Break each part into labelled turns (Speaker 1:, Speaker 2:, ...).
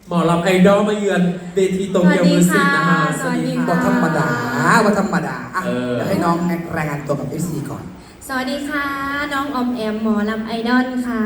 Speaker 1: หมอลำไอดอลมาเยือนเวทีโตเกียวมิวสิกนะคะ
Speaker 2: สวัสดีค่ะ
Speaker 3: ว่าธรรมดาว่าธรรมดาอ่ะเดี๋ยวให้น้องรายงานตัวกับFCก่อน
Speaker 2: สวัสดีค่ะ น้องออมแอมหมอลำไอดอลค่ะ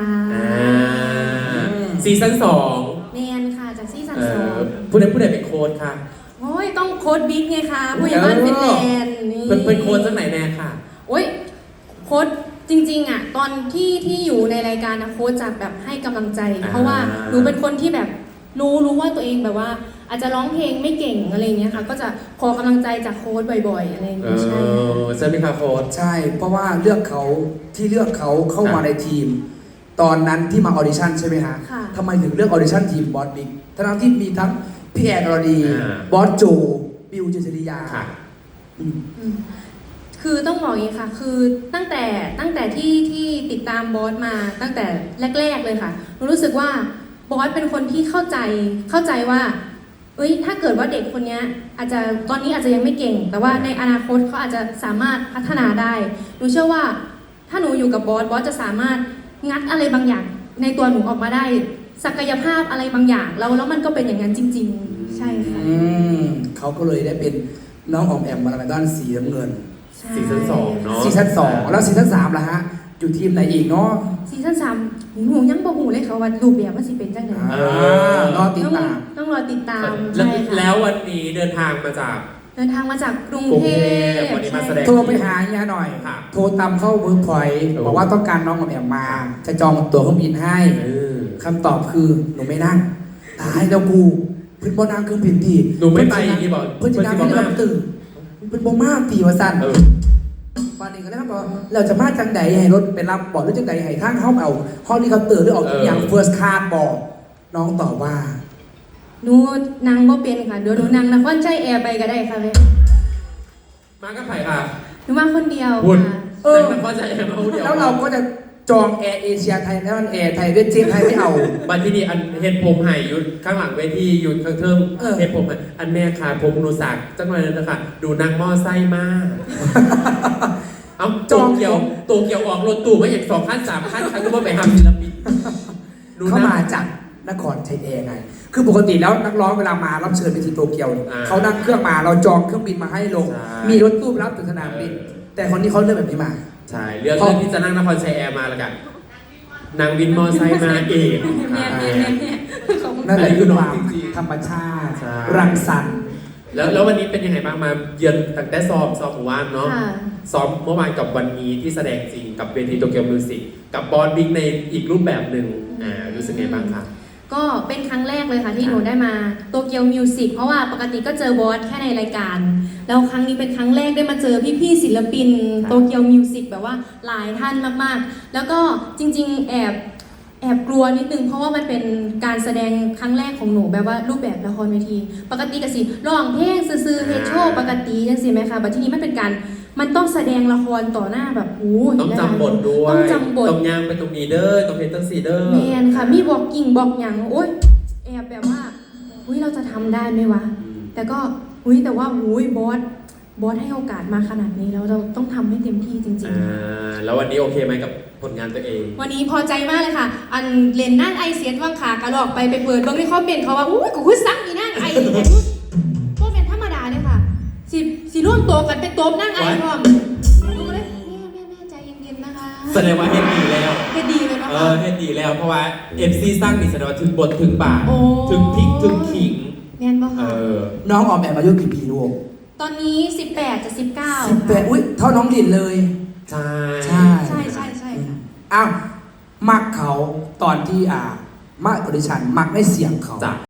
Speaker 1: ซีซั่น
Speaker 2: เมนค่ะจากซีซั่น
Speaker 1: 2
Speaker 2: สอง
Speaker 1: ผู้ใดเป็นโค้ดค่ะ
Speaker 2: โอ้ยต้องโค้ดบิ๊กไงคะผู้ใหญ่บ้านฟินแลนด์นี่
Speaker 1: เป็นโค้ดจากไหนแน่ค่ะ
Speaker 2: โอ้ยโค้ดจริงๆอ่ะตอนที่อยู่ในรายการนะโค้ดจะแบบให้กำลังใจ เพราะว่าหนูเป็นคนที่แบบรู้ว่าตัวเองแบบว่า อาจจะร้องเพลงไม่เก่งอะไรเงี้ยค่ะก็จะขอกำลังใจจากโค้ดบ่อยๆอะไรเงี้ยใช่
Speaker 1: ใช่ไหมคะโค้ด
Speaker 3: ใช่เพราะว่าเลือกเขาเข้ามาในทีม ตอนนั้นที่มาออดิชั่นใช่ไหมฮะ
Speaker 2: ค่ะ
Speaker 3: ทำไมถึงเลือกออดิชั่นทีมบอสบิ๊กทั้งที่มีทั้งพี่แอนอรดี
Speaker 1: อ่า
Speaker 3: บอสโจบิวเจษริยา
Speaker 1: ค่ะ
Speaker 3: อืม
Speaker 2: คือต้องบอกอย่างนี้ค่ะ คือตั้งแต่ที่ติดตามบอสมาตั้งแต่แรกๆเลยค่ะหนูรู้สึกว่าบอสเป็นคนที่เข้าใจว่าเอ้ยถ้าเกิดว่าเด็กคนนี้อาจจะตอนนี้อาจจะยังไม่เก่ง แต่ว่าในอนาคตเขาอาจจะสามารถพัฒนาได้หนูเชื่อว่าถ้าหนูอยู่กับบอสจะสามารถงัดอะไรบางอย่างในตัวหนูออกมาได้ ศักยภาพอะไรบางอย่างแล้วมันก็เป็นอย่างนั้นจริง ๆ ใช่ค่ะ
Speaker 3: เขาก็เลยได้เป็นน้องออมแอมมาในด้านสีน้ำเงิน
Speaker 2: ใช่
Speaker 1: ซีซั่น2เนาะ
Speaker 3: ซีซั่น2แล้วซีซั่น3ล่ะฮะอยู่ทีมไหนอีกเนาะ
Speaker 2: ซีซั่น3หนูยังบ่หูเลยค่ะว่ารูปแบบมันสิเป็นจังไง
Speaker 3: รอติดตาม
Speaker 2: ต้องรอติดตาม
Speaker 1: แล้ว
Speaker 2: ใช่ค่ะ
Speaker 1: แล้ววันนี้เดินทางมาจาก
Speaker 2: เดินทางมาจากกรุง
Speaker 1: กรุง
Speaker 2: เท
Speaker 1: เทพ
Speaker 2: พ
Speaker 1: วันนี้มาแสดง
Speaker 3: โทรไปหาเฮียหน่อย
Speaker 1: ค่ะ
Speaker 3: โทรตามเข้าเวิร์กพอยต์บอกว่าต้องการน้องออมแอมมา จะจองตั๋วเครื่องบินให้ คำตอบคือหนูไม่นั่งตายแล้วกูเพิ่นบ่นั่งเครื่องบินดี
Speaker 1: หนูไม่ไปอย่างนี้บอก
Speaker 3: เพิ่นจะนั่ง
Speaker 1: เพิ่
Speaker 3: ให้
Speaker 1: นสิบ่
Speaker 3: เรา
Speaker 1: มา
Speaker 3: ตื่นเพิ่นบ่มาตีว่าสั่น
Speaker 1: เออ
Speaker 3: วันนี้ก็ได้ครับบอกเราจะมาจังใดให้รถไปรับบอกหรือจังใดให้ทางเขาเอาห้องนี้เขาตื่นหรือออกอย่างเฟิร์สคลาสบอกน้องตอบว่า
Speaker 2: หนูนั่งบ่เป็นค่ะเดี๋ยวหนูนั่งนครชัยแอร์ไปก็ได้ค่ะเลย
Speaker 1: มากับไผ่ค่ะ
Speaker 2: หนูมาคนเดียว
Speaker 1: คุณ
Speaker 2: ค่ะ
Speaker 1: นั่งก็จะแอบเอาเดียว
Speaker 3: แล้วเราก็จะจองแอร์เอเชียไทยแล้วมันแอร์ไทยเวทเจนไทยไม่เอา
Speaker 1: บันที่นี่อันเห็ดผมไห่อยู่ข้างหลังเวทีอยู่ข้างเทิง
Speaker 3: เออ
Speaker 1: เห็ดผมไห่อันแม่ค่ะผมหนูสักจังเลยนะคะดูนางหม้อไส้มาก เอาโตเกียวออกรถตู้มาอย่าง2 ขั้น 3 ขั้นใครก็ว่าไปทำศิลปินดู
Speaker 3: เขา
Speaker 1: นะ
Speaker 3: มาจากนครชัยแอร์ไง คือปกติแล้วนักร้องเวลามารับเชิญไปที่โตเกียวเนี่ย
Speaker 1: อ่า
Speaker 3: เขานั่งเครื่องมาเราจองเครื่องบินมาให้ลง
Speaker 1: ใช่
Speaker 3: มีรถตู้รับถึงสนามบิน แต่คนนี้เขาเลือกแบบนี้มา
Speaker 1: ใช่เรื่องที่จะนั่งนครชัยแอร์มาแล้วกันนางวินมอไซค์มาเอง
Speaker 2: แม่ขอบคุณ
Speaker 3: นั่นแหละ
Speaker 1: อันนี้คื
Speaker 3: คือ อ
Speaker 1: น้อง
Speaker 3: ความ
Speaker 1: จริงๆ
Speaker 3: ธรรมชาติ
Speaker 1: ใช่
Speaker 3: รังสรรค์
Speaker 1: แล้ววันนี้เป็นยังไงบ้างมาเยือนตั้งแต่ซ้อมหมู่บ้านเนาะ
Speaker 2: ค่ะ
Speaker 1: ซ้อมเมื่อวานกับวันนี้ที่แสดงจริงกับเวทีโตเกียวมิวสิกกับบอสบิ๊กในอีกรูปแบบหนึ่งรู้สึกไงบ้างคะ
Speaker 2: ก็เป็นครั้งแรกเลยค่ะที่หนูได้มาโตเกียวมิวสิกเพราะว่าปกติก็เจอบอสแค่ในรายการ แล้วครั้งนี้เป็นครั้งแรกได้มาเจอพี่ๆศิลปินโตเกียวมิวสิกแบบว่าหลายท่านมากๆ แล้วก็จริงๆแอบกลัวนิดนึงเพราะว่ามันเป็นการแสดงครั้งแรกของหนูแบบว่ารูปแบบละครเวที ปกติก็สิร้องเพลงซื่อๆเฮดโชว์ปกติจังสิไหมคะแต่ที่นี้มันเป็นการมันต้องแสดงละครต่อหน้าแบบโอ้ย
Speaker 1: ต้องจำบทด้วย
Speaker 2: ต้องจำบท
Speaker 1: ต้องย่างไปตรงนี้เด้อต้องเห็นตั้งสี่เด้อ
Speaker 2: แมนค่ะมีบอกกิ่งบอกอย่างโอ๊ยแอบแบบว่าอุ้ยเราจะทำได้ไหมวะ แต่ก็อุ้ยแต่ว่าอุ้ยบอสให้โอกาสมาขนาดนี้แล้วเราต้องทำให้เต็มที่จริงๆ
Speaker 1: แล้ววันนี้โอเคไหมกับผลงานตัวเอง
Speaker 2: วันนี้พอใจมากเลยค่ะ อันเรียนนั่งไอเสียนว่างขากระหลอกไปเปิดเบิ้งในคอมเมนต์เขาว่าอุ้ยกูคือซักอีนั่งไอแต่พวกเป็นธรรมดาเลยค่ะสิร่วมโตกันเป็นโต๊ะนั่งไอพร้อมดูเลยแม่ใจเย็นๆนะคะ
Speaker 1: แสดงว่าเฮ็ดดีแล้ว
Speaker 2: เฮ็ดดีเลยนะ
Speaker 1: เอ
Speaker 2: คะ
Speaker 1: อเฮ็ดดีแล้วเพราะว่า MC สร้างดิแสดงว่าถึงบทถึงบาท
Speaker 2: โอ้
Speaker 1: ถึงพริกถึงขิง
Speaker 2: แม่นปะ
Speaker 1: เอ
Speaker 2: คะ
Speaker 1: อ
Speaker 3: น้องออมแอมอายุกี่ปีลูก
Speaker 2: ตอนนี้18จะ19
Speaker 3: 18อุ้ยเท่าน้องลินเลย
Speaker 1: ใช่
Speaker 3: ใช่
Speaker 2: ใช่ค่ะ
Speaker 3: อ้าวมักเขาตอนที่มาออดิชั่นมักได้เสียงเขา
Speaker 1: จ้ะ